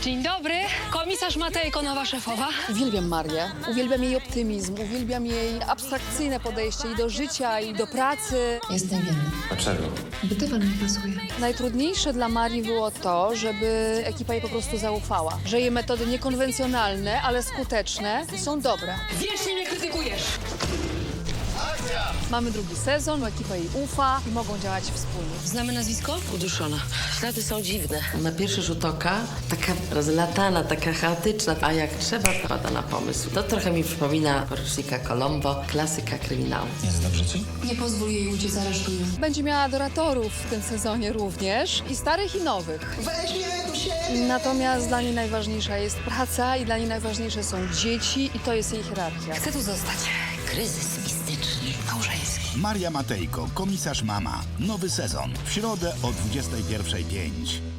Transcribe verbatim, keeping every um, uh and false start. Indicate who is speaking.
Speaker 1: Dzień dobry, komisarz Matejko, nowa szefowa.
Speaker 2: Uwielbiam Marię, uwielbiam jej optymizm, uwielbiam jej abstrakcyjne podejście i do życia, i do pracy.
Speaker 3: Jestem winna.
Speaker 4: Dlaczego?
Speaker 3: Bo dywan mi pasuje.
Speaker 2: Najtrudniejsze dla Marii było to, żeby ekipa jej po prostu zaufała. Że jej metody niekonwencjonalne, ale skuteczne są dobre.
Speaker 1: Wiecznie mnie krytykujesz.
Speaker 2: Mamy drugi sezon, ekipa jej ufa i mogą działać wspólnie.
Speaker 1: Znamy nazwisko?
Speaker 5: Uduszona. Ślady są dziwne. Na pierwszy rzut oka taka rozlatana, taka chaotyczna, a jak trzeba, pada na pomysł. To trochę mi przypomina porucznika Colombo, klasyka kryminału.
Speaker 4: Jest dobrze ci?
Speaker 3: Nie pozwól jej uciec, aresztuję.
Speaker 2: Będzie miała adoratorów w tym sezonie również, i starych, i nowych. Natomiast dla niej najważniejsza jest praca i dla niej najważniejsze są dzieci i to jest jej hierarchia.
Speaker 1: Chcę tu zostać.
Speaker 5: Kryzys mistyczny, małżeński.
Speaker 6: Maria Matejko, komisarz mama. Nowy sezon. W środę o dwudziestej pierwszej pięć.